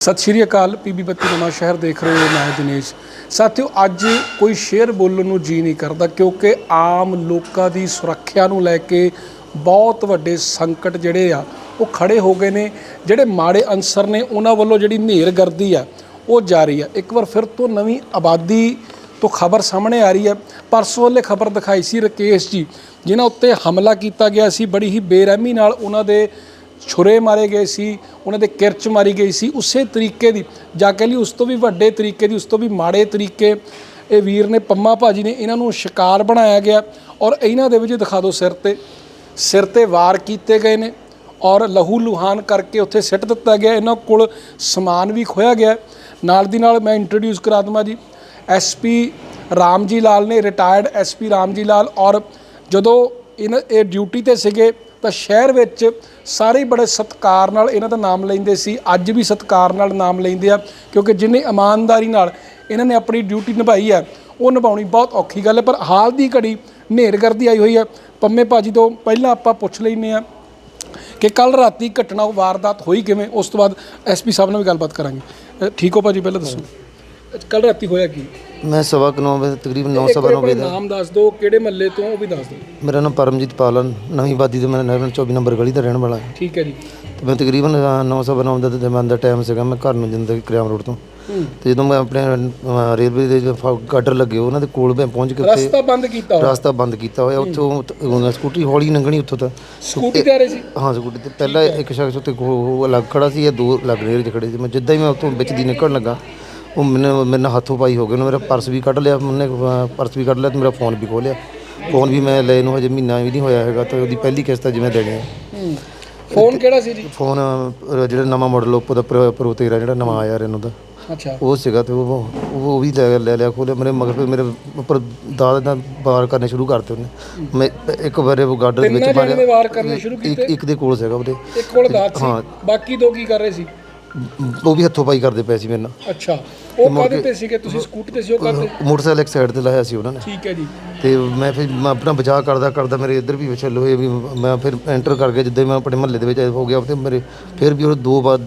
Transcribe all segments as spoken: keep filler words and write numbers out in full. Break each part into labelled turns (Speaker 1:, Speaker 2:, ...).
Speaker 1: सत श्री अकाल पीबी बत्ती नवा शहर देख रहे हो। मैं दिनेश। साथियों, अज कोई शेयर बोलने को जी नहीं करता क्योंकि आम लोगों की सुरक्षा को लैके बहुत वड्डे संकट जिहड़े आ वो खड़े हो गए ने। जिहड़े माड़े अंसर ने उन्हां वल्लों जिहड़ी नेरगर्दी आ वो जारी है। एक बार फिर तो नवीं आबादी तो खबर सामने आ रही है। परसों वाले खबर दिखाई सी राकेश जी जिन्हां उत्ते हमला किया गया सी, बड़ी ही बेरहमी नाल उन्हां दे छुरे मारे गए सी, उन्होंने किरच मारी गई सी। उस तरीके की जाके लिए उस तो भी वड्डे तरीके की, उस तो भी माड़े तरीके ये वीर ने पम्मा भाजी ने इन्हों शिकार बनाया गया। और इन्हों दे विच दिखा दो सिर ते सिर ते वार किए गए ने और लहू लुहान करके उत्थे सिट दिता गया। इन्हों कोल समान भी खोया गया। नाल दी नाल मैं इंट्रोड्यूस करा देवां जी एस पी राम जी लाल ने, retired S P Ram Ji Lal. और जदों इन ये ड्यूटी ते सीगे तो शहर विच सारे ही बड़े सत्कार नाल इन्हां दा नाम लैंदे सी, अज भी सत्कार नाल नाम लैंदे आ क्योंकि जिन्हें ईमानदारी नाल इन्हां ने अपनी ड्यूटी निभाई है वो निभाउणी बहुत औखी गल है। पर हाल की घड़ी नेरगर्दी आई हुई है। पम्मे भाजी तो पहला आपां पुछ लैंदे आ कि कल राती घटना वारदात होई किवें, उस तो बाद एस पी साहब नाल भी गलबात करांगे। ठीक हो भाजी, पहले दसो कल राती होया की?
Speaker 2: मैं सवा नौ बजे तकरीबन नौ सवा नौ बजे
Speaker 1: नाम दस दो, किहड़े महल्ले तो वो भी दस दो।
Speaker 2: मेरा नाम परमजीत पालन नवीं आबादी तो मैं नगर चौबी नंबर गली का रहने वाला है।
Speaker 1: ठीक है जी।
Speaker 2: तो मैं तकरीबन नौ सवा नौ का मैं टाइम से मैं घर में जिंदा करियाम रोड तो तो जो मैं अपने रेलवे के गाडर लगे उन्होंने कोल मैं पहुँच के
Speaker 1: रास्ता बंद किया
Speaker 2: रास्ता बंद किया होया उत्थों स्कूटी हौली लंघनी उत्थों तक
Speaker 1: स्कूटी ते आ रहे सी।
Speaker 2: हाँ स्कूटी ते पहला एक शख्स उत्ते अलग खड़ा सी या दो अलग रेल च खड़े सी। मैं जिद्दां ही मैं उत्थों बिच दी निकलण लगा वो मैंने मेरे नाल हाथों पाई हो गए। मेरा पर्स भी कढ़ लिया, मैंने पर्स भी कढ़ लिया तो मेरा फोन भी खोह लिया। फोन भी मैं ले हजे महीना भी नहीं होया है तो वो पहली किस्त जिवें देनी है।
Speaker 1: फोन किहड़ा सी जी? फोन
Speaker 2: जो नवा मॉडल ओप्पो का प्रो तेरह जो नवा आया इन्हों का,
Speaker 1: अच्छा
Speaker 2: वो सीगा तो वो वो भी ले ले लिया खोलिया। मेरे मगर फिर मेरे उपर दाद ना वार करने शुरू करते उन्हें। मैं एक बार वो गार्डर विच मारिया वार करने शुरू कीते। एक दे कोल सीगा ਉਹਦੇ
Speaker 1: एक कोल दाद सी। हाँ बाकी दो की कर रहे सी?
Speaker 2: वो भी हथों पाई करते पे सी मेरे नाल।
Speaker 1: अच्छा ਉਹ ਕਾਹਦੇ ਤੇ ਸੀਗੇ ਤੁਸੀਂ? ਸਕੂਟੀ ਤੇ ਸੀ? ਉਹ ਕਰਦੇ
Speaker 2: ਮੋਟਰਸਾਈਕਲ ਇੱਕ ਸਾਈਡ ਤੇ ਲਾਇਆ ਸੀ ਉਹਨਾਂ ਨੇ।
Speaker 1: ਠੀਕ ਹੈ ਜੀ।
Speaker 2: ਤੇ ਮੈਂ ਫਿਰ ਮੈਂ ਆਪਣਾ ਬਚਾਅ ਕਰਦਾ ਕਰਦਾ ਮੇਰੇ ਇੱਧਰ ਵੀ ਵਿਛਲ ਹੋਏ ਵੀ ਮੈਂ ਫਿਰ ਐਂਟਰ ਕਰ ਗਿਆ। ਜਿੱਦਾਂ ਮੈਂ ਆਪਣੇ ਮਹੱਲੇ ਦੇ ਵਿੱਚ ਹੋ ਗਿਆ ਤੇ ਮੇਰੇ ਫਿਰ ਵੀ ਉਹ ਦੋ ਵਾਰ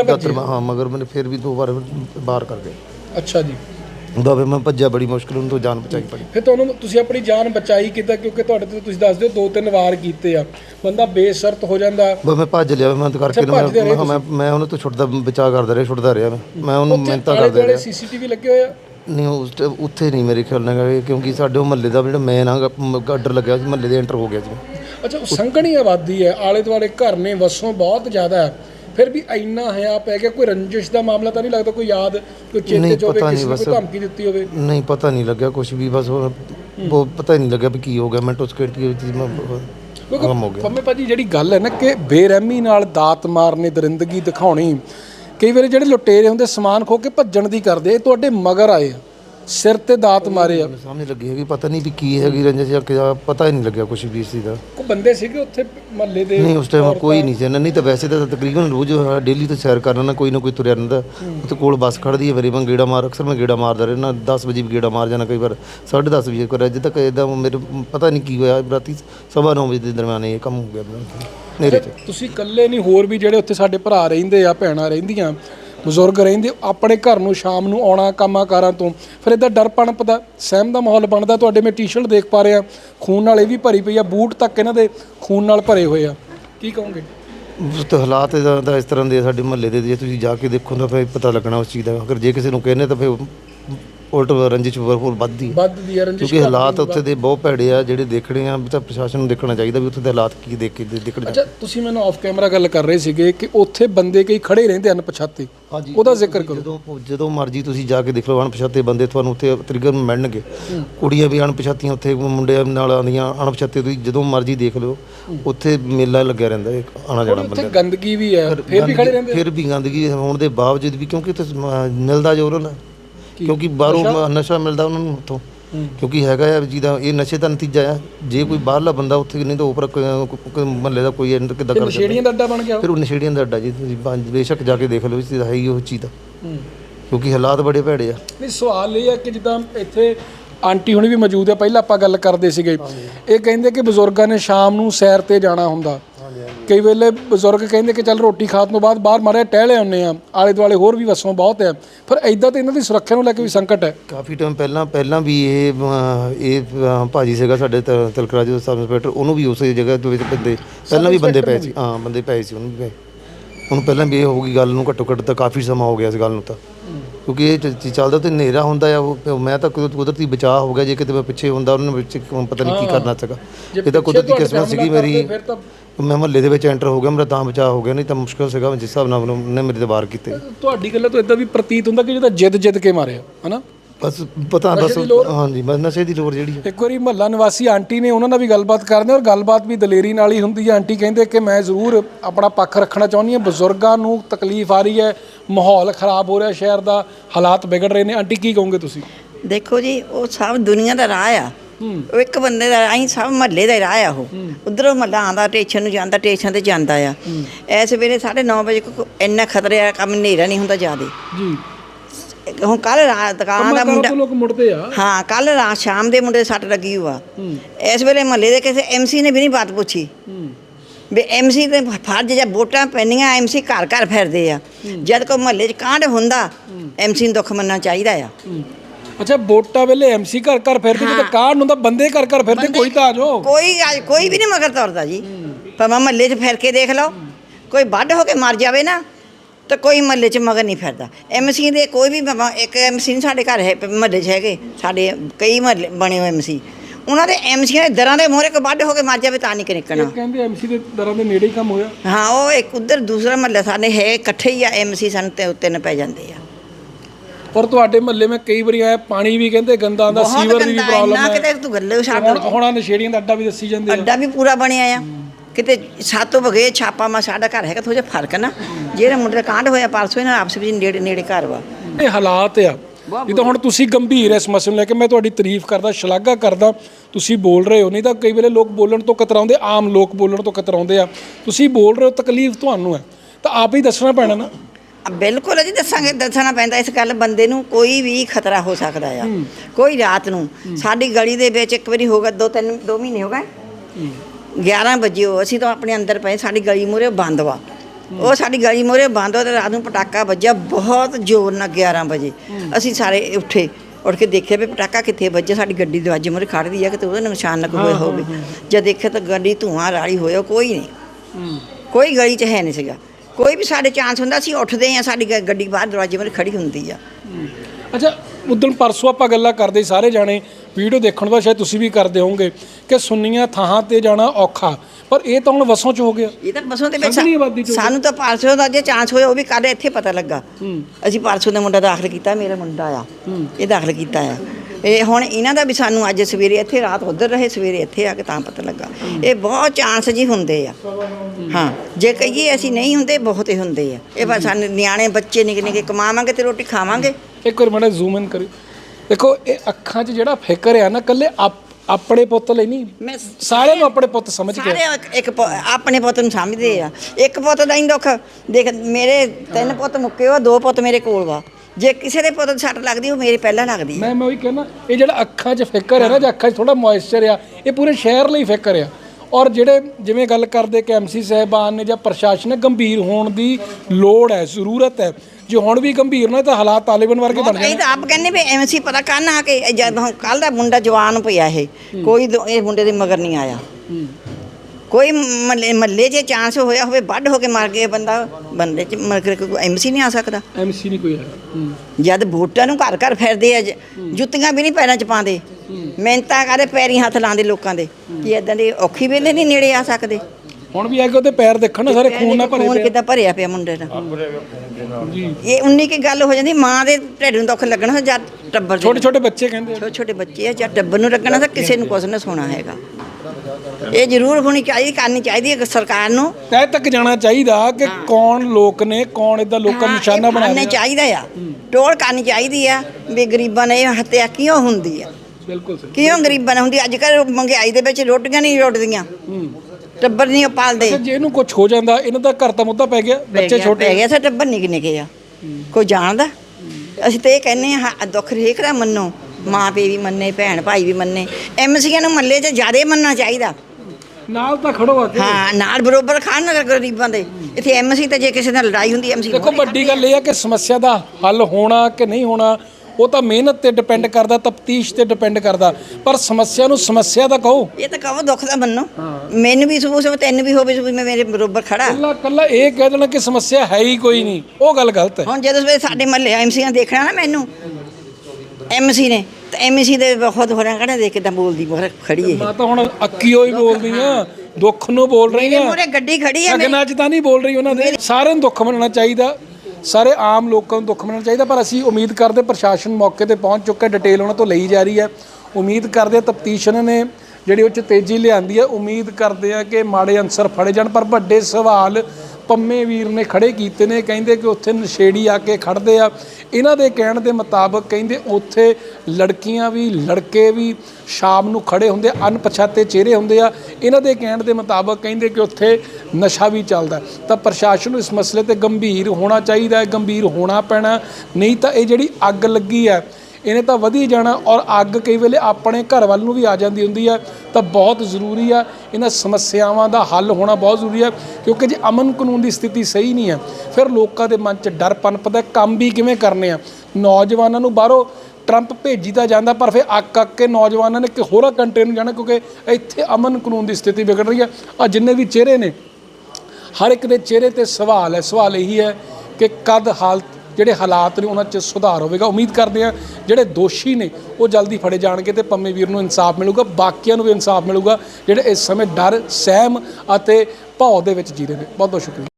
Speaker 2: ਹਾਂ ਮਗਰ ਮੈंने ਫਿਰ ਵੀ ਦੋ ਵਾਰ ਬਾਹਰ ਕਰ ਗਏ।
Speaker 1: ਅੱਛਾ ਜੀ।
Speaker 2: ਬਾਬੇ ਮੈਂ ਭੱਜਿਆ ਬੜੀ ਮੁਸ਼ਕਿਲ ਉਹਨੂੰ ਤੋਂ ਜਾਨ ਬਚਾਈ ਪੜੀ।
Speaker 1: ਫਿਰ ਤੁਹਾਨੂੰ ਤੁਸੀਂ ਆਪਣੀ ਜਾਨ ਬਚਾਈ ਕਿੱਦਾਂ? ਕਿਉਂਕਿ ਤੁਹਾਡੇ ਤੇ ਤੁਸੀਂ ਦੱਸਦੇ ਹੋ ਦੋ ਤਿੰਨ ਵਾਰ ਕੀਤੇ ਆ, ਬੰਦਾ ਬੇਸ਼ਰਤ ਹੋ ਜਾਂਦਾ।
Speaker 2: ਬਸ ਮੈਂ ਭੱਜ ਲਿਆ ਮੈਂ ਕਰਕੇ ਮੈਂ ਮੈਂ ਮੈਂ ਉਹਨੂੰ ਤੋਂ ਛੁੱਟਦਾ ਬਚਾਅ ਕਰਦਾ ਰਿਹਾ ਛੁੱਟਦਾ ਰਿਹਾ ਮੈਂ ਉਹਨੂੰ ਮਿਹਨਤਾਂ ਕਰਦਾ ਰਿਹਾ।
Speaker 1: ਸੀਸੀਟੀਵੀ ਲੱਗੇ ਹੋਏ ਆ?
Speaker 2: ਨਹੀਂ ਉਸ ਉੱਥੇ ਨਹੀਂ ਮੇਰੇ ਖਿਆਲ ਨਾਲ ਕਿਉਂਕਿ ਸਾਡੇ ਉਹ ਮਹੱਲੇ ਦਾ ਜਿਹੜਾ ਮੇਨ ਆ ਗਾਡਰ ਲੱਗਿਆ ਸੀ ਮਹੱਲੇ ਦੇ ਐਂਟਰ ਹੋ ਗਿਆ ਸੀ।
Speaker 1: ਅੱਛਾ ਸੰਘਣੀ ਆਬਾਦੀ ਹੈ, ਆਲੇ ਦੁਆਲੇ ਘਰ ਨੇ, ਵਸੋਂ ਬਹੁਤ ਜ਼ਿਆਦਾ ਹੈ, ਫਿਰ ਵੀ ਇੰਨਾ ਹਿਆ ਪੈ ਗਿਆ। ਕੋਈ ਰੰਜਿਸ਼ ਦਾ ਮਾਮਲਾ ਤਾਂ ਨਹੀਂ ਲੱਗਦਾ? ਕੋਈ ਯਾਦ ਕੋਈ ਚੇਤੇ ਚ ਹੋਵੇ ਕਿਸੇ ਨੇ ਕੋਈ ਧਮਕੀ ਦਿੱਤੀ ਹੋਵੇ? ਨਹੀਂ
Speaker 2: ਪਤਾ ਨਹੀਂ ਲੱਗਿਆ ਕੁਝ ਵੀ, ਬਸ ਉਹ ਪਤਾ ਹੀ ਨਹੀਂ ਲੱਗਿਆ ਵੀ ਕੀ ਹੋ ਗਿਆ। ਮੈਂ ਟੋਸਕੇਟ ਕੀ ਮੈਂ ਕੰਮ ਹੋ ਗਿਆ।
Speaker 1: ਪੰਮੇ ਭਾਜੀ ਜਿਹੜੀ ਗੱਲ ਹੈ ਨਾ ਕਿ ਬੇਰਹਿਮੀ ਨਾਲ ਦਾਤ ਮਾਰਨੇ, ਦਰਿੰਦਗੀ ਦਿਖਾਉਣੀ, ਕਈ ਵਾਰੀ ਜਿਹੜੇ ਲੁਟੇਰੇ ਹੁੰਦੇ ਸਮਾਨ ਖੋ ਕੇ ਭੱਜਣ ਦੀ ਕਰਦੇ, ਇਹ ਤੁਹਾਡੇ ਮਗਰ ਆਏ ਆ, ਸਿਰ ਤੇ ਦਾਤ ਮਾਰੇ ਆ।
Speaker 2: ਸਾਹਮਣੇ ਲੱਗੀ ਹੈਗੀ ਪਤਾ ਨਹੀਂ ਵੀ ਕੀ ਹੈਗੀ ਰੰਜਿਸ਼ ਜਾਂ ਪਤਾ ਹੀ ਨਹੀਂ ਲੱਗਿਆ ਕੁਝ ਵੀ ਇਸ ਦਾ।
Speaker 1: ਕੋਈ ਬੰਦੇ ਸੀਗੇ ਉੱਥੇ ਮਹੱਲੇ ਦੇ?
Speaker 2: ਨਹੀਂ ਉਸ ਟਾਈਮ ਕੋਈ ਨਹੀਂ ਸੀ। ਨਹੀਂ ਤਾਂ ਵੈਸੇ ਤਾਂ ਤਕਰੀਬਨ ਰੋਜ਼ ਡੇਲੀ ਤੋਂ ਸੈਰ ਕਰਨ ਨਾਲ ਕੋਈ ਨਾ ਕੋਈ ਤੁਰਿਆ ਰਹਿੰਦਾ। ਉੱਥੇ ਕੋਲ ਬੱਸ ਖੜ੍ਹਦੀ ਹੈ, ਵਾਰੀ ਮੈਂ ਗੇੜਾ ਮਾਰ ਅਕਸਰ ਮੈਂ ਗੇੜਾ ਮਾਰਦਾ ਰਹਿਣਾ। ਦਸ ਵਜੇ ਵੀ ਗੇੜਾ ਮਾਰ ਜਾਣਾ, ਕਈ ਵਾਰ ਸਾਢੇ ਦਸ ਵਜੇ ਕਰ ਅਜੇ ਤੱਕ ਇੱਦਾਂ ਮੇਰੇ ਪਤਾ ਨਹੀਂ ਕੀ ਹੋਇਆ। ਰਾਤੀ ਸਵਾ ਨੌ ਵਜੇ ਦੇ ਦਰਮਿਆਨ ਇਹ ਕੰਮ ਹੋ ਗਿਆ ਨੇਰੇ 'ਚ। ਤੁਸੀਂ ਇਕੱਲੇ ਨਹੀਂ, ਹੋਰ ਵੀ ਜਿਹੜੇ ਉੱਥੇ ਸਾਡੇ ਭਰਾ ਰਹਿੰਦੇ ਆ, ਭੈਣਾਂ ਰਹਿੰਦੀਆਂ, ਬਜ਼ੁਰਗ ਰਹਿੰਦੇ, ਆਪਣੇ ਘਰ ਨੂੰ ਸ਼ਾਮ ਨੂੰ ਆਉਣਾ ਕੰਮਾਂ ਕਾਰਾਂ ਤੋਂ, ਫਿਰ ਇੱਦਾਂ ਡਰ ਪਣਪਦਾ, ਸਹਿਮ ਦਾ ਮਾਹੌਲ ਬਣਦਾ। ਤੁਹਾਡੇ ਮੈਂ ਟੀ ਸ਼ਰਟ ਦੇਖ ਪਾ ਰਿਹਾ ਖੂਨ ਨਾਲ, ਇਹ ਵੀ ਭਰੀ ਪਈ ਆ, ਬੂਟ ਤੱਕ ਇਹਨਾਂ ਦੇ ਖੂਨ ਨਾਲ ਭਰੇ ਹੋਏ ਆ, ਕੀ ਕਹੋਗੇ? ਉਸ ਤੋਂ ਹਾਲਾਤ ਤਾਂ ਇਸ ਤਰ੍ਹਾਂ ਦੇ ਸਾਡੇ ਮੁਹੱਲੇ ਦੇ, ਜੇ ਤੁਸੀਂ ਜਾ ਕੇ ਦੇਖੋ ਤਾਂ ਫਿਰ ਪਤਾ ਲੱਗਣਾ ਉਸ ਚੀਜ਼ ਦਾ। ਅਗਰ ਜੇ ਕਿਸੇ ਨੂੰ ਕਹਿੰਦੇ ਤਾਂ ਫਿਰ ਉਲਟ ਰੰਜਿਸ਼ ਹੋਰ ਵੱਧਦੀ ਵੱਧਦੀ ਹੈ ਰੰਜਿਸ਼, ਕਿਉਂਕਿ ਹਾਲਾਤ ਉੱਥੇ ਦੇ ਬਹੁਤ ਭੈੜੇ ਆ ਜਿਹੜੇ ਦੇਖਣੇ ਆ ਤਾਂ ਪ੍ਰਸ਼ਾਸਨ ਨੂੰ ਦੇਖਣਾ ਚਾਹੀਦਾ ਵੀ ਉੱਥੇ ਦੇ ਹਾਲਾਤ ਕੀ ਦੇਖ ਕੇ ਦੇਖਣਾ। ਅੱਛਾ
Speaker 1: ਤੁਸੀਂ ਮੈਨੂੰ ਆਫ ਕੈਮਰਾ ਗੱਲ ਕਰ ਰਹੇ ਸੀਗੇ ਕਿ ਉੱਥੇ ਬੰਦੇ ਕਈ ਖੜੇ ਰਹਿੰਦੇ ਅਣਪਛਾਤੇ, ਉਹਦਾ ਜ਼ਿਕਰ ਕਰੋ।
Speaker 2: ਜਦੋਂ ਜਦੋਂ ਮਰਜ਼ੀ ਤੁਸੀਂ ਜਾ ਕੇ ਦੇਖ ਲਓ ਅਣਪਛਾਤੇ ਬੰਦੇ ਤੁਹਾਨੂੰ ਉੱਥੇ ਤਰੀਕਰ ਮਿਲਣਗੇ। ਕੁੜੀਆਂ ਵੀ ਅਣਪਛਾਤੀਆਂ ਉੱਥੇ ਮੁੰਡਿਆਂ ਨਾਲ ਆਉਂਦੀਆਂ ਅਣਪਛਾਤੇ, ਤੁਸੀਂ ਜਦੋਂ ਮਰਜ਼ੀ ਦੇਖ ਲਓ ਉੱਥੇ ਮੇਲਾ ਲੱਗਿਆ ਰਹਿੰਦਾ ਆਉਣਾ ਜਾਣਾ ਬੰਦਾ।
Speaker 1: ਗੰਦਗੀ ਵੀ ਹੈ ਫਿਰ ਵੀ ਖੜੇ ਰਹਿੰਦੇ,
Speaker 2: ਫਿਰ ਵੀ ਗੰਦਗੀ ਹੋਣ ਦੇ ਬਾਵਜੂਦ ਵੀ ਕਿਉਂਕਿ ਉੱਥੇ ਮਿਲਦਾ ਜ਼ੋਰ ਹੁੰਦਾ, ਕਿਉਂਕਿ ਬਾਹਰੋਂ ਨਸ਼ਾ ਮਿਲਦਾ ਉਹਨਾਂ ਨੂੰ ਉੱਥੋਂ, ਕਿਉਂਕਿ ਹੈਗਾ ਆ ਜਿਹਦਾ ਇਹ ਨਸ਼ੇ ਦਾ ਨਤੀਜਾ ਆ। ਜੇ ਕੋਈ ਬਾਹਰਲਾ ਬੰਦਾ ਉੱਥੇ ਨਹੀਂ ਤਾਂ ਉੱਪਰ ਮਹੱਲੇ ਦਾ ਕੋਈ ਐਂਟਰ ਕਿੱਦਾਂ ਕਰ
Speaker 1: ਨਸ਼ੇੜੀਆਂ ਦਾ ਅੱਡਾ ਬਣ ਗਿਆ,
Speaker 2: ਫਿਰ ਉਹ ਨਸ਼ੇੜੀਆਂ ਦਾ ਅੱਡਾ ਜੀ। ਤੁਸੀਂ ਬੇਸ਼ੱਕ ਜਾ ਕੇ ਦੇਖ ਲਓ ਇਸ ਹੈ ਹੀ ਉਹ ਚੀਜ਼ ਦਾ, ਕਿਉਂਕਿ ਹਾਲਾਤ ਬੜੇ ਭੈੜੇ ਆ।
Speaker 1: ਨਹੀਂ ਸਵਾਲ ਇਹ ਆ ਕਿ ਜਿੱਦਾਂ ਇੱਥੇ ਆਂਟੀ ਹੁਣੀ ਵੀ ਮੌਜੂਦ ਆ, ਪਹਿਲਾਂ ਆਪਾਂ ਗੱਲ ਕਰਦੇ ਸੀਗੇ, ਇਹ ਕਹਿੰਦੇ ਕਿ ਬਜ਼ੁਰਗਾਂ ਨੇ ਸ਼ਾਮ ਨੂੰ ਸੈਰ ਤੇ ਜਾਣਾ ਹੁੰਦਾ, ਕਈ ਵੇਲੇ ਬਜ਼ੁਰਗ ਕਹਿੰਦੇ ਕਿ ਚੱਲ ਰੋਟੀ ਖਾਣ ਤੋਂ ਬਾਅਦ ਬਾਹਰ ਮਾਰੇ ਟਹਿਲੇ ਆਉਂਦੇ ਆ, ਆਲੇ ਦੁਆਲੇ ਹੋਰ ਵੀ ਵਸੋਂ ਬਹੁਤ ਹੈ, ਪਰ ਐਦਾਂ ਤਾਂ ਇਹਨਾਂ ਦੀ ਸੁਰੱਖਿਆ ਨੂੰ ਲੈ ਕੇ ਵੀ ਸੰਕਟ ਹੈ।
Speaker 2: ਕਾਫੀ ਟਾਈਮ ਪਹਿਲਾਂ ਪਹਿਲਾਂ ਵੀ ਇਹ ਅ, ਇਹ ਅ, ਭਾਜੀ ਸੀਗਾ ਸਾਡੇ ਤ- ਤਿਲਕਰਾਜ ਸਬ ਇੰਸਪੈਕਟਰ, ਉਹਨੂੰ ਵੀ ਉਸੇ ਜਗ੍ਹਾ ਦੇ ਵਿੱਚ ਬੰਦੇ ਪਹਿਲਾਂ ਵੀ ਬੰਦੇ ਪਏ ਸੀ। ਹਾਂ ਬੰਦੇ ਪਏ ਸੀ ਉਹਨੂੰ ਵੀ ਪਏ। ਹੁਣ ਪਹਿਲਾਂ ਵੀ ਇਹ ਹੋ ਗਈ ਗੱਲ ਨੂੰ, ਘੱਟੋ ਘੱਟ ਤਾਂ ਕਾਫੀ ਸਮਾਂ ਹੋ ਗਿਆ ਇਸ ਗੱਲ ਨੂੰ ਤਾਂ, ਕਿਉਂਕਿ ਇਹ ਚ- ਚ- ਚੱਲਦਾ ਤੇ ਹਨੇਰਾ ਹੁੰਦਾ ਆ। ਉਹ ਮੈਂ ਤਾਂ ਕੁਦ- ਕੁਦਰਤੀ ਬਚਾਅ ਹੋ ਗਿਆ, ਜੇ ਕਿਤੇ ਮੈਂ ਪਿੱਛੇ ਹੁੰਦਾ ਉਹਨਾਂ ਵਿੱਚ ਪਤਾ ਨਹੀਂ ਕੀ ਕਰਨਾ ਸੀਗਾ। ਇਹ ਤਾਂ ਕੁਦਰਤੀ ਕਿਸਮਤ ਸੀਗੀ ਮੇਰੀ, ਮੈਂ ਮਹੱਲੇ ਦੇ ਵਿੱਚ ਐਂਟਰ ਹੋ ਗਿਆ, ਮੇਰਾ ਤਾਂ ਬਚਾਅ ਹੋ ਗਿਆ, ਨਹੀਂ ਤਾਂ ਮੁਸ਼ਕਿਲ ਸੀਗਾ ਜਿਸ ਹਿਸਾਬ ਨਾਲ ਉਹਨੇ ਮੇਰੇ ਤੇ ਵਾਰ ਕੀਤੇ।
Speaker 1: ਤੁਹਾਡੀ ਗੱਲਾਂ ਤੋਂ ਇਦਾਂ ਵੀ ਪ੍ਰਤੀਤ ਹੁੰਦਾ ਕਿ ਜਿਹਦਾ ਜਿੱਦ ਜਿੱਦ ਕੇ ਮਾਰਿਆ ਹਨਾ।
Speaker 2: ਬਸ ਪਤਾ ਬਸ ਹਾਂਜੀ ਬਸ ਨਸ਼ੇ ਦੀ ਲੋੜ ਜਿਹੜੀ ਹੈ।
Speaker 1: ਇੱਕ ਵਾਰੀ ਮਹੱਲਾ ਨਿਵਾਸੀ ਆਂਟੀ ਨੇ, ਉਹਨਾਂ ਨਾਲ ਵੀ ਗੱਲਬਾਤ ਕਰਦੇ, ਔਰ ਗੱਲਬਾਤ ਵੀ ਦਲੇਰੀ ਨਾਲ ਹੀ ਹੁੰਦੀ ਹੈ। ਆਂਟੀ ਕਹਿੰਦੇ ਕਿ ਮੈਂ ਜ਼ਰੂਰ ਆਪਣਾ ਪੱਖ ਰੱਖਣਾ ਚਾਹੁੰਦੀ ਹਾਂ, ਬਜ਼ੁਰਗਾਂ ਨੂੰ ਤਕਲੀਫ ਆ ਰਹੀ ਹੈ, ਮਾਹੌਲ ਖਰਾਬ ਹੋ ਰਿਹਾ ਸ਼ਹਿਰ ਦਾ, ਹਾਲਾਤ ਵਿਗੜ ਰਹੇ ਨੇ। ਆਂਟੀ ਕੀ ਕਹੋਗੇ ਤੁਸੀਂ?
Speaker 3: ਦੇਖੋ ਜੀ, ਉਹ ਸਭ ਦੁਨੀਆ ਦਾ ਰਾਹ ਆ, ਉਹ ਇੱਕ ਬੰਦੇ ਦਾ ਰਾਹ ਹੀ, ਸਭ ਮਹੱਲੇ ਦਾ ਰਾਹ ਆ। ਉਹ ਉਧਰੋਂ ਮਹੱਲਾ ਆਉਂਦਾ, ਸਟੇਸ਼ਨ ਨੂੰ ਜਾਂਦਾ, ਸਟੇਸ਼ਨ ਤੇ ਜਾਂਦਾ ਆ। ਇਸ ਵੇਲੇ ਸਾਢੇ ਨੌ ਵਜੇ ਇੰਨਾ ਖਤਰੇ ਆ, ਕੰਮ ਹਨੇਰਾ ਨਹੀਂ ਹੁੰਦਾ ਜ਼ਿਆਦੇ
Speaker 1: ਜੀ।
Speaker 3: ਹੁਣ ਕੱਲ ਰਾਤ ਦੁਕਾਨ ਦਾ ਮੁੰਡਾ
Speaker 1: ਲੋਕ ਮੁੜਦੇ ਆ।
Speaker 3: ਹਾਂ, ਕੱਲ ਰਾਤ ਸ਼ਾਮ ਦੇ ਮੁੰਡੇ ਸੱਟ ਲੱਗੀ ਹੋਆ। ਇਸ ਵੇਲੇ ਮਹੱਲੇ ਦੇ ਕਿਸੇ ਐਮਸੀ ਨੇ ਵੀ ਨਹੀਂ ਬਾਤ ਪੁੱਛੀ ਵੀ ਐਮਸੀ ਦੇ ਫਰਜ਼ ਜਾਂ ਵੋਟਾਂ ਪੈਣੀਆਂ, ਐਮਸੀ ਘਰ ਘਰ ਫਿਰਦੇ ਆ। ਜਦ ਕੋਈ ਮਹੱਲੇ 'ਚ ਕਾਂਡ ਹੁੰਦਾ, ਐਮਸੀ ਨੂੰ ਦੁੱਖ ਮੰਨਣਾ ਚਾਹੀਦਾ ਆ।
Speaker 1: ਅੱਛਾ, ਵੋਟਾਂ ਵੇਲੇ ਐਮਸੀ ਘਰ ਘਰ ਫਿਰਦੇ, ਜਦੋਂ ਕਾਂਡ ਹੁੰਦਾ ਬੰਦੇ ਘਰ ਘਰ ਫਿਰਦੇ, ਕੋਈ ਤਾਂ ਆ ਜਾਓ।
Speaker 3: ਕੋਈ ਕੋਈ ਵੀ ਨਹੀਂ ਮਗਰ ਤੁਰਦਾ ਜੀ। ਭਾਵੇਂ ਮਹੱਲੇ 'ਚ ਫਿਰ ਕੇ ਦੇਖ ਲਓ, ਕੋਈ ਵੱਢ ਹੋ ਕੇ ਮਰ ਜਾਵੇ ਨਾ ਤਾਂ ਕੋਈ ਮਹੱਲੇ 'ਚ ਮਗਰ ਨਹੀਂ ਫਿਰਦਾ। ਐਮਸੀ ਦੇ ਕੋਈ ਵੀ, ਇੱਕ ਐਮਸੀ ਨਹੀਂ ਸਾਡੇ ਘਰ ਹੈ, ਮਹੱਲੇ 'ਚ ਹੈਗੇ ਸਾਡੇ ਕਈ ਮਹੱਲੇ ਬਣੇ ਹੋਏ ਐਮਸੀ, ਉਹਨਾਂ ਦੇ ਐਮਸੀਆਂ ਦੇ ਦਰਾਂ ਦੇ ਮੋਹਰੇ ਕੋਈ ਵੱਢ ਹੋ ਕੇ ਮਰ ਜਾਵੇ ਤਾਂ ਨਹੀਂ ਕਿ ਨਿਕਲਣਾ।
Speaker 1: ਕਹਿੰਦੇ ਐਮਸੀ ਦੇ ਦਰਾਂ ਦੇ ਨੇੜੇ ਹੀ ਕੰਮ ਹੋਇਆ।
Speaker 3: ਹਾਂ, ਉਹ ਇੱਕ ਉਧਰ ਦੂਸਰਾ ਮਹੱਲਾ ਸਾਡੇ ਹੈ, ਇਕੱਠੇ ਹੀ ਆ ਐਮਸੀ, ਸਾਨੂੰ ਤੇ ਤਿੰਨ ਪੈ ਜਾਂਦੇ ਆ।
Speaker 1: ਪਰ ਤੁਹਾਡੇ ਮਹੱਲੇ ਮੈਂ ਕਈ ਵਾਰੀ ਆਇਆ, ਪਾਣੀ ਵੀ ਕਹਿੰਦੇ ਗੰਦਾ ਆਉਂਦਾ, ਸੀਵਰ ਦੀ ਵੀ ਪ੍ਰੋਬਲਮ ਹੈ।
Speaker 3: ਕਿਤੇ ਤੂੰ ਗੱਲੇ ਛੱਡ,
Speaker 1: ਹੁਣ ਹੁਣ ਨਸ਼ੇੜੀਆਂ ਦਾ ਅੱਡਾ ਵੀ ਦੱਸੀ ਜਾਂਦੇ ਆ।
Speaker 3: ਅੱਡਾ ਵੀ ਪੂਰਾ ਬਣਿਆ ਆ, ਕਿਤੇ ਸਾਤੋਂ ਬਗੇ ਛਾਪਾ ਮਾ ਸਾਡਾ ਘਰ ਹੈਗਾ ਥੋੜਾ ਜਿਹਾ ਫਰਕ ਨਾ, ਜਿਹੜਾ ਮੁੰਡੇ ਦਾ ਕਾਂਡ ਹੋਇਆ ਪਰਸੋਂ, ਇਹਨਾਂ ਆਪਸ ਵਿੱਚ ਨੇੜੇ ਨੇੜੇ ਘਰ ਵਾ।
Speaker 1: ਇਹ ਹਾਲਾਤ ਆ ਜਿੱਦਾਂ ਹੁਣ ਤੁਸੀਂ ਗੰਭੀਰ ਇਸ ਮਸਲੇ ਨੂੰ ਲੈ ਕੇ, ਮੈਂ ਤੁਹਾਡੀ ਤਾਰੀਫ ਕਰਦਾ, ਸ਼ਲਾਘਾ ਕਰਦਾ, ਤੁਸੀਂ ਬੋਲ ਰਹੇ ਹੋ। ਨਹੀਂ ਤਾਂ ਕਈ ਵੇਲੇ ਲੋਕ ਬੋਲਣ ਤੋਂ ਕਤਰਾਉਂਦੇ, ਆਮ ਲੋਕ ਬੋਲਣ ਤੋਂ ਕਤਰਾਉਂਦੇ ਆ, ਤੁਸੀਂ ਬੋਲ ਰਹੇ ਹੋ, ਤਕਲੀਫ ਤੁਹਾਨੂੰ ਹੈ ਤਾਂ ਆਪ ਹੀ ਦੱਸਣਾ ਪੈਣਾ ਨਾ।
Speaker 3: ਬਿਲਕੁਲ ਜੀ, ਦੱਸਾਂਗੇ, ਦੱਸਣਾ ਪੈਂਦਾ। ਇਸ ਗੱਲ ਬੰਦੇ ਨੂੰ ਕੋਈ ਵੀ ਖਤਰਾ ਹੋ ਸਕਦਾ ਆ। ਕੋਈ ਰਾਤ ਨੂੰ ਸਾਡੀ ਗਲੀ ਦੇ ਵਿੱਚ ਇੱਕ ਵਾਰੀ ਹੋ ਗਿਆ, ਦੋ ਤਿੰਨ ਦੋ ਮਹੀਨੇ ਹੋ ਗਏ, ਗਿਆਰਾਂ ਵਜੇ ਉਹ ਅਸੀਂ ਤਾਂ ਆਪਣੇ ਅੰਦਰ ਪਏ, ਸਾਡੀ ਗਲੀ ਮੂਹਰੇ ਬੰਦ ਵਾ। ਉਹ ਸਾਡੀ ਗਲੀ ਮੂਹਰੇ ਬੰਦ ਹੋ ਤੇ ਰਾਤ ਨੂੰ ਪਟਾਕਾ ਵੱਜਿਆ ਬਹੁਤ ਜ਼ੋਰ ਨਾਲ ਗਿਆਰਾਂ ਵਜੇ। ਅਸੀਂ ਸਾਰੇ ਉੱਠੇ, ਉੱਠ ਕੇ ਦੇਖਿਆ ਵੀ ਪਟਾਕਾ ਕਿੱਥੇ ਵੱਜਿਆ। ਸਾਡੀ ਗੱਡੀ ਦਰਵਾਜ਼ੇ ਮੂਹਰੇ ਖੜ੍ਹਦੀ ਆ, ਕਿਤੇ ਉਹਦਾ ਨਿਸ਼ਾਨ ਨਾ ਕੋਈ ਹੋਇਆ ਹੋਵੇ। ਜਦ ਦੇਖਿਆ ਤਾਂ ਗੱਡੀ ਧੂੰਆਂ ਰਾਲੀ ਹੋਇਆ, ਕੋਈ ਨਹੀਂ, ਕੋਈ ਗਲੀ 'ਚ ਹੈ ਨਹੀਂ ਸੀਗਾ। ਕੋਈ ਵੀ ਸਾਡੇ ਚਾਂਸ ਹੁੰਦਾ, ਅਸੀਂ ਉੱਠਦੇ ਹਾਂ, ਸਾਡੀ ਗ- ਗੱਡੀ ਬਾਹਰ ਦਰਵਾਜ਼ੇ ਮੂਹਰੇ ਖੜੀ ਹੁੰਦੀ ਆ।
Speaker 1: ਅੱਛਾ, ਉਦੋਂ ਪਰਸੋਂ ਆਪਾਂ ਗੱਲਾਂ ਕਰਦੇ ਸਾਰੇ ਜਾਣੇ, ਵੀਡੀਓ ਦੇਖਣ ਤੋਂ ਸ਼ਾਇਦ ਤੁਸੀਂ ਵੀ ਕਰਦੇ ਹੋਵੋਗੇ ਕਿ ਸੁੰਨੀਆਂ ਥਾਂ ਤੇ ਜਾਣਾ ਔਖਾ, ਪਰ ਇਹ ਤਾਂ ਹੁਣ ਵਸੋਂ 'ਚ ਹੋ ਗਿਆ।
Speaker 3: ਇਹ ਤਾਂ ਬਸੋਂ ਦੇ ਵਿੱਚ
Speaker 1: ਸੰਘਣੀ ਆਬਾਦੀ 'ਚ ਹੋ ਗਿਆ।
Speaker 3: ਸਾਨੂੰ ਤਾਂ ਪਰਸੋਂ ਦਾ ਜੇ ਚਾਂਸ ਹੋਇਆ, ਉਹ ਵੀ ਕੱਲ੍ਹ ਇੱਥੇ ਪਤਾ ਲੱਗਾ। ਅਸੀਂ ਪਰਸੋਂ ਦਾ ਮੁੰਡਾ ਦਾਖਲ ਕੀਤਾ, ਮੇਰਾ ਮੁੰਡਾ ਆ, ਇਹ ਦਾਖਲ ਕੀਤਾ ਆ। ਇਹ ਹੁਣ ਇਹਨਾਂ ਦਾ ਵੀ ਸਾਨੂੰ ਅੱਜ ਸਵੇਰੇ ਇੱਥੇ, ਰਾਤ ਉੱਧਰ ਰਹੇ, ਸਵੇਰੇ ਇੱਥੇ ਆ ਕੇ ਤਾਂ ਪਤਾ ਲੱਗਾ। ਇਹ ਬਹੁਤ ਚਾਂਸ ਜੀ ਹੁੰਦੇ ਆ। ਹਾਂ, ਜੇ ਕਹੀਏ ਅਸੀਂ ਨਹੀਂ ਹੁੰਦੇ, ਬਹੁਤ ਹੀ ਹੁੰਦੇ ਆ। ਇਹ ਬਸ ਸਾਨੂੰ ਨਿਆਣੇ ਬੱਚੇ ਨਿੱਕੇ ਨਿੱਕੇ ਕਮਾਵਾਂਗੇ ਤੇ ਰੋਟੀ ਖਾਵਾਂਗੇ।
Speaker 1: ਇੱਕ ਵਾਰ ਮਾੜਾ ਜ਼ੂਮ ਇਨ ਕਰਿਓ, ਦੇਖੋ ਇਹ ਅੱਖਾਂ 'ਚ ਜਿਹੜਾ ਫਿਕਰ ਆ ਨਾ, ਇਕੱਲੇ ਆਪ ਆਪਣੇ ਪੁੱਤ ਲਈ ਨਹੀਂ,
Speaker 3: ਮੈਂ
Speaker 1: ਸਾਰਿਆਂ ਨੂੰ ਆਪਣੇ ਪੁੱਤ ਸਮਝ ਕੇ।
Speaker 3: ਸਾਰੇ ਇੱਕ- ਇੱਕ ਪੁ- ਆਪਣੇ ਪੁੱਤ ਨੂੰ ਸਮਝਦੇ ਆ। ਇੱਕ ਪੁੱਤ ਦਾ ਹੀ ਦੁੱਖ ਦੇਖ, ਮੇਰੇ ਤਿੰਨ ਪੁੱਤ ਮੁੱਕੇ ਵਾ, ਦੋ ਪੁੱਤ ਮੇਰੇ ਕੋਲ ਵਾ। ਜੇ ਕਿਸੇ ਦੇ ਪੁੱਤ ਨੂੰ ਸੱਟ ਲੱਗਦੀ, ਉਹ ਮੇਰੇ ਪਹਿਲਾਂ ਲੱਗਦੀ।
Speaker 1: ਮੈਂ ਮੈਂ ਉਹੀ ਕਹਿੰਦਾ, ਇਹ ਜਿਹੜਾ ਅੱਖਾਂ 'ਚ ਫਿਕਰ ਹੈ ਨਾ, ਜੇ ਅੱਖਾਂ 'ਚ ਥੋੜਾ ਮੋਇਸਚਰ ਆ, ਇਹ ਪੂਰੇ ਸ਼ਹਿਰ ਲਈ ਫਿਕਰ ਆ। ਔਰ ਜਿਹੜੇ ਜਿਵੇਂ ਗੱਲ ਕਰਦੇ ਕਿ ਐਮਸੀ ਸਾਹਿਬਾਨ ਨੇ ਜਾਂ ਪ੍ਰਸ਼ਾਸਨ ਨੇ, ਗੰਭੀਰ ਹੋਣ ਦੀ ਲੋੜ ਹੈ, ਜ਼ਰੂਰਤ ਹੈ। ਜੇ ਹੁਣ ਵੀ ਗੰਭੀਰ ਨਾ ਤਾਂ ਹਾਲਾਤ ਤਾਲਿਬਾਨ ਵਰਗੇ ਬਣ
Speaker 3: ਇਹ
Speaker 1: ਜਾਣੇ।
Speaker 3: ਤਾਂ ਆਪ ਕਹਿੰਦੇ ਵੀ ਐਮਸੀ ਪਤਾ ਕਰਨ ਆ ਕੇ, ਜਦ ਹੁਣ ਕੱਲ ਦਾ ਮੁੰਡਾ ਜਵਾਨ ਪਿਆ, ਇਹ ਕੋਈ ਦੋ- ਇਹ ਮੁੰਡੇ ਦੇ ਮਗਰ ਨਹੀਂ ਆਇਆ। ਕੋਈ ਮਹੱਲੇ ਮਹੱਲੇ 'ਚ ਚਾਂਸ ਹੋਇਆ ਹੋਵੇ, ਵੱਢ ਹੋ ਕੇ ਮਰ ਗਏ ਬੰਦਾ, ਬੰਦੇ 'ਚ ਮਰ ਕੇ ਕੋਈ ਐਮਸੀ ਨਹੀਂ ਆ ਸਕਦਾ।
Speaker 1: ਐਮਸੀ ਨਹੀਂ ਕੋਈ ਹੈ।
Speaker 3: ਜਦ ਵੋਟਾਂ ਨੂੰ ਘਰ ਘਰ ਫਿਰਦੇ ਆ, ਜ- ਜੁੱਤੀਆਂ ਵੀ ਨਹੀਂ ਪੈਰਾਂ 'ਚ ਪਾਉਂਦੇ, ਮਿਹਨਤਾਂ ਕਰਦੇ, ਪੈਰੀ ਹੱਥ ਲਾਉਂਦੇ ਲੋਕਾਂ ਦੇ, ਕੀ ਇਦਾਂ ਦੇ ਔਖੀ ਵੇਲੇ ਨਹੀਂ ਨੇੜੇ ਆ ਸਕਦੇ।
Speaker 1: ਹੁਣ ਵੀ ਆ ਕੇ ਉਹਦੇ ਪੈਰ ਦੇਖਣ ਨਾ, ਸਾਰੇ ਖੂਨ ਨਾਲ ਭਰੇ
Speaker 3: ਖੂਨ
Speaker 1: ਪਏ।
Speaker 3: ਕਿੱਦਾਂ ਭਰਿਆ ਪਿਆ ਮੁੰਡੇ ਦਾ।
Speaker 1: ਜੀ,
Speaker 3: ਇਹ ਉਨੀ ਕੀ ਗੱਲ ਹੋ ਜਾਂਦੀ, ਮਾਂ ਦੇ ਢਿੱਡ ਨੂੰ ਦੁੱਖ ਲੱਗਣਾ ਜਦ ਟੱਬਰ ਦੇ
Speaker 1: ਛੋਟੇ ਛੋਟੇ ਬੱਚੇ ਕਹਿੰਦੇ ਆ।
Speaker 3: ਛੋਟੇ ਛੋਟੇ ਬੱਚੇ ਆ, ਜਦ ਟੱਬਰ ਨੂੰ ਲੱਗਣਾ ਤਾਂ ਕਿਸੇ ਨੂੰ ਕੁਛ ਨਾ ਸੁਣਾ ਹੈਗਾ। ਇਹ ਜ਼ਰੂਰ ਹੋਣੀ ਚਾਹੀਦੀ, ਕਰਨੀ ਚਾਹੀਦੀ ਹੈ ਸਰਕਾਰ ਨੂੰ।
Speaker 1: ਤੈ ਤੱਕ ਜਾਣਾ ਚਾਹੀਦਾ ਕਿ ਕੌਣ ਲੋਕ ਨੇ, ਕੌਣ ਇਦਾਂ ਲੋਕਾਂ ਨੂੰ ਨਿਸ਼ਾਨਾ ਬਣਾ
Speaker 3: ਬਣਾਉਣਾ
Speaker 1: ਰਿਹਾ।
Speaker 3: ਚਾਹੀਦਾ ਆ, ਟੋਲ ਕਰਨੀ ਚਾਹੀਦੀ ਆ ਵੀ ਗਰੀਬਾਂ ਨੇ ਇਹ ਹੱਤਿਆ ਕਿਉਂ ਹੁੰਦੀ ਆ,
Speaker 1: ਬਿਲਕੁਲ ਸਹੀ।
Speaker 3: ਕਿਉਂ ਗਰੀਬਾਂ ਨਾਲ ਹੁੰਦੀ। ਅੱਜ ਕੱਲ੍ਹ ਮਹਿੰਗਾਈ ਦੇ ਵਿੱਚ ਰੋਟੀਆਂ ਨਹੀਂ ਰੁੱਟਦੀਆਂ, ਟੱਬਰ ਨਹੀਂ ਪਾਲਦੇ।
Speaker 1: ਅੱਛਾ, ਜੇ ਇਹਨੂੰ ਕੁਝ ਹੋ ਜਾਂਦਾ, ਇਹਨਾਂ ਦਾ ਘਰ ਤਾਂ ਮੁੱਦਾ ਪੈ ਗਿਆ, ਬੱਚੇ ਛੋਟੇ
Speaker 3: ਪੈ ਗਿਆ, ਸਾਡੇ ਟੱਬਰ ਨਿੱਕੇ ਨਿੱਕੇ ਆ, ਕੋਈ ਜਾਣਦਾ। ਅਸੀਂ ਤਾਂ ਇਹ ਕਹਿੰਦੇ ਹਾਂ, ਦੁੱਖ ਹਰੇਕ ਦਾ ਮੰਨੋ, ਮਾਂ ਪਿਓ ਵੀ ਮੰਨੇ, ਭੈਣ ਭਾਈ ਵੀ ਮੰਨੇ। ਐਮਸੀਆਂ ਨੂੰ ਮਹੱਲੇ 'ਚ ਜ਼ਿਆਦਾ ਮੰਨਣਾ ਚਾਹੀਦਾ।
Speaker 1: ਨਾਲ ਤਾਂ ਖੜੋ ਆ ਕੇ।
Speaker 3: ਹਾਂ ਨਾਲ ਬਰੋਬਰ ਖਾਣ ਨਾ ਗਰੀਬਾਂ ਦੇ। ਇੱਥੇ ਐਮਸੀ ਤੇ ਜੇ ਕਿਸੇ ਨਾਲ ਲੜਾਈ ਹੁੰਦੀ ਐਮਸੀ
Speaker 1: ਦੇਖੋ ਵੱਡੀ ਗੱਲ ਇਹ ਹੈ ਕਿ ਸਮੱਸਿਆ ਦਾ ਹੱਲ ਹੋਣਾ ਕਿ ਨਹੀਂ ਹੋਣਾ ਉਹ ਤਾਂ ਮਿਹਨਤ ਤੇ ਡਿਪੈਂਡ ਕਰਦਾ, ਤਫਤੀਸ਼ ਤੇ ਡਿਪੈਂਡ ਕਰਦਾ, ਪਰ ਸਮੱਸਿਆ ਨੂੰ ਸਮੱਸਿਆ ਤਾਂ ਕਹੋ।
Speaker 3: ਇਹ ਤਾਂ ਕਹੋ ਦੁੱਖ ਦਾ ਮੰਨੋ। ਮੈਨੂੰ ਵੀ ਸਬੂਤ ਹੈ, ਤੈਨੂੰ ਵੀ ਹੋਵੇ ਸਬੂਤ, ਮੈਂ ਮੇਰੇ ਬਰੋਬਰ ਖੜਾ।
Speaker 1: ਕੱਲਾ ਕੱਲਾ ਇਹ ਕਹਿ ਦੇਣਾ ਕਿ ਸਮੱਸਿਆ ਹੈ ਹੀ ਕੋਈ ਨਹੀਂ, ਉਹ ਗੱਲ ਗਲਤ ਹੈ।
Speaker 3: ਹੁਣ ਜਦੋਂ ਸਵੇਰੇ ਸਾਡੇ ਮਹੱਲੇ ਐਮਸੀ ਨੇ ਦੇਖਣਾ ਨਾ ਮੈਨੂੰ, ਐਮਸੀ ਨੇ ਤਾਂ ਐਮਸੀ ਦੇ ਬਹੁਤ ਹੋਰਾਂ ਖੜਾ ਦੇਖ ਕਿਦਾਂ ਬੋਲਦੀ ਬਹੁਤ ਖੜੀ ਹੈ।
Speaker 1: ਮੈਂ ਤਾਂ ਹੁਣ ਅੱਕੀਓ ਹੀ ਬੋਲਦੀ ਆ, ਦੁੱਖ ਨੂੰ ਬੋਲ ਰਹੀ ਆ।
Speaker 3: ਮੋਰੇ ਗੱਡੀ ਖੜੀ ਹੈ
Speaker 1: ਸਗਨਾਂ 'ਚ ਤਾਂ ਨਹੀਂ ਬੋਲ ਰਹੀ ਉਹਨਾਂ ਦੇ। ਸਾਰਿਆਂ ਨੂੰ ਦੁੱਖ ਮੰਨਣਾ ਚਾਹੀਦਾ, ਸਾਰੇ ਆਮ ਲੋਕਾਂ ਨੂੰ ਦੁੱਖ ਮੰਨਣਾ ਚਾਹੀਦਾ, ਪਰ ਅਸੀਂ ਉਮੀਦ ਕਰਦੇ ਪ੍ਰਸ਼ਾਸਨ ਮੌਕੇ ਤੇ ਪਹੁੰਚ ਚੁੱਕਾ, ਡਿਟੇਲ ਉਹਨਾਂ ਤੋਂ ਲਈ ਜਾ ਰਹੀ ਹੈ। ਉਮੀਦ ਕਰਦੇ ਤਫਤੀਸ਼ ਉਹਨਾਂ ਨੇ ਜਿਹੜੀ ਉਹ 'ਚ ਤੇਜ਼ੀ ਲਿਆਂਦੀ ਹੈ। ਉਮੀਦ ਕਰਦੇ ਆ ਕਿ ਮਾੜੇ ਅਨਸਰ ਫੜੇ ਜਾਣ, ਪਰ ਵੱਡੇ ਸਵਾਲ ਪੰਮੇ ਵੀਰ ਨੇ ਖੜੇ ਕੀਤੇ ਨੇ। ਕਹਿੰਦੇ ਕਿ ਉੱਥੇ ਨਸ਼ੇੜੀ ਆ ਕੇ ਖੜਦੇ ਆ। ਇਹਨਾਂ ਦੇ ਕਹਿਣ ਦੇ ਮੁਤਾਬਕ ਕਹਿੰਦੇ ਉੱਥੇ ਲੜਕੀਆਂ ਵੀ ਲੜਕੇ ਵੀ ਸ਼ਾਮ ਨੂੰ ਖੜੇ ਹੁੰਦੇ, ਅਣਪਛਾਤੇ ਚਿਹਰੇ ਹੁੰਦੇ ਆ। ਇਹਨਾਂ ਦੇ ਕਹਿਣ ਦੇ ਮੁਤਾਬਕ ਕਹਿੰਦੇ ਕਿ ਉੱਥੇ ਨਸ਼ਾ ਵੀ ਚੱਲਦਾ। ਤਾਂ ਪ੍ਰਸ਼ਾਸਨ ਨੂੰ ਇਸ ਮਸਲੇ ਤੇ ਗੰਭੀਰ ਹੋਣਾ ਚਾਹੀਦਾ ਹੈ, ਗੰਭੀਰ ਹੋਣਾ ਪੈਣਾ, ਨਹੀਂ ਤਾਂ ਇਹ ਜਿਹੜੀ ਅੱਗ ਲੱਗੀ ਹੈ ਇਹਨੇ ਤਾਂ ਵਧੀ ਜਾਣਾ, ਔਰ ਅੱਗ ਕਈ ਵੇਲੇ ਆਪਣੇ ਘਰ ਵੱਲ ਨੂੰ ਵੀ ਆ ਜਾਂਦੀ ਹੁੰਦੀ ਹੈ। ਤਾਂ ਬਹੁਤ ਜ਼ਰੂਰੀ ਆ ਇਹਨਾਂ ਸਮੱਸਿਆਵਾਂ ਦਾ ਹੱਲ ਹੋਣਾ ਬਹੁਤ ਜ਼ਰੂਰੀ ਹੈ, ਕਿਉਂਕਿ ਜੇ ਅਮਨ ਕਾਨੂੰਨ ਦੀ ਸਥਿਤੀ ਸਹੀ ਨਹੀਂ ਹੈ ਫਿਰ ਲੋਕਾਂ ਦੇ ਮਨ 'ਚ ਡਰ ਪਨਪਦਾ, ਕੰਮ ਵੀ ਕਿਵੇਂ ਕਰਨੇ ਆ। ਨੌਜਵਾਨਾਂ ਨੂੰ ਬਾਹਰੋਂ ਟਰੰਪ ਭੇਜੀ ਤਾਂ ਜਾਂਦਾ, ਪਰ ਫਿਰ ਅੱਕ ਅੱਕ ਕੇ ਨੌਜਵਾਨਾਂ ਨੇ ਕਿ ਹੋਰਾਂ ਕੰਟਰੀ ਨੂੰ ਜਾਣਾ, ਕਿਉਂਕਿ ਇੱਥੇ ਅਮਨ ਕਾਨੂੰਨ ਦੀ ਸਥਿਤੀ ਵਿਗੜ ਰਹੀ ਹੈ। ਆ ਜਿੰਨੇ ਵੀ ਚਿਹਰੇ ਨੇ ਹਰ ਇੱਕ ਦੇ ਚਿਹਰੇ ਤੇ ਸਵਾਲ ਹੈ। ਸਵਾਲ ਇਹੀ ਹੈ ਕਿ ਕਦ ਹਾਲਤ ਜਿਹੜੇ ਹਾਲਾਤ ਨੇ ਉਹਨਾਂ 'ਚ ਸੁਧਾਰ ਹੋਵੇਗਾ। ਉਮੀਦ ਕਰਦੇ ਹਾਂ ਜਿਹੜੇ ਦੋਸ਼ੀ ਨੇ ਉਹ ਜਲਦੀ ਫੜੇ ਜਾਣਗੇ ਤੇ ਪੰਮੇ ਵੀਰ ਨੂੰ ਇਨਸਾਫ ਮਿਲੂਗਾ, ਬਾਕੀਆਂ ਨੂੰ ਵੀ ਇਨਸਾਫ ਮਿਲੂਗਾ ਜਿਹੜੇ ਇਸ ਸਮੇਂ ਡਰ, ਸਹਿਮ ਅਤੇ ਭੌ ਦੇ ਵਿੱਚ ਜੀ ਰਹੇ ਨੇ। ਬਹੁਤ ਬਹੁਤ ਸ਼ੁਕਰੀਆ।